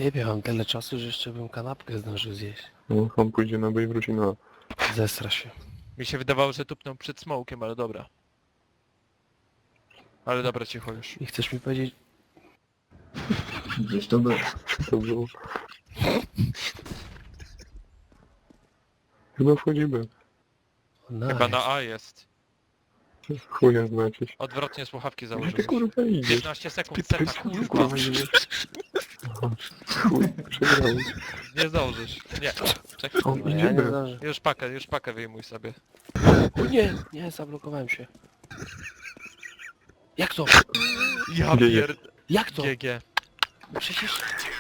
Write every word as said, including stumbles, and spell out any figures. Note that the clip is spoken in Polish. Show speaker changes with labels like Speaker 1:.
Speaker 1: Jebie, mam tyle czasu, że jeszcze bym kanapkę zdążył zjeść.
Speaker 2: No, on pójdzie na B i wróci na A.
Speaker 1: Zesra się.
Speaker 3: Mi się wydawało, że tupnął przed smokiem, ale dobra. Ale dobra, cicho już.
Speaker 1: I chcesz mi powiedzieć...
Speaker 4: Gdzieś to było.
Speaker 2: To było. Chyba wchodzi B.
Speaker 1: Nice.
Speaker 3: Chyba na A jest.
Speaker 2: Chuja znacie się.
Speaker 3: Odwrotnie słuchawki
Speaker 2: Gdzie
Speaker 3: założył.
Speaker 2: ty kurwa idziesz?
Speaker 3: piętnaście sekund,
Speaker 2: Ty,
Speaker 3: seta,
Speaker 2: ty,
Speaker 3: kurwa.
Speaker 2: kurwa idziesz. Aha, chuj, przegrałeś.
Speaker 3: Nie zdążysz. Nie. Czekaj.
Speaker 2: On
Speaker 1: No, ja
Speaker 2: idzie
Speaker 1: nie
Speaker 2: B.
Speaker 1: zdążę.
Speaker 3: Już pakę, już pakę wyjmuj sobie.
Speaker 1: O nie, nie, zablokowałem się. Jak to?
Speaker 3: Ja
Speaker 2: G G.
Speaker 3: pierd...
Speaker 1: Jak to?
Speaker 3: G G.
Speaker 1: Przecież...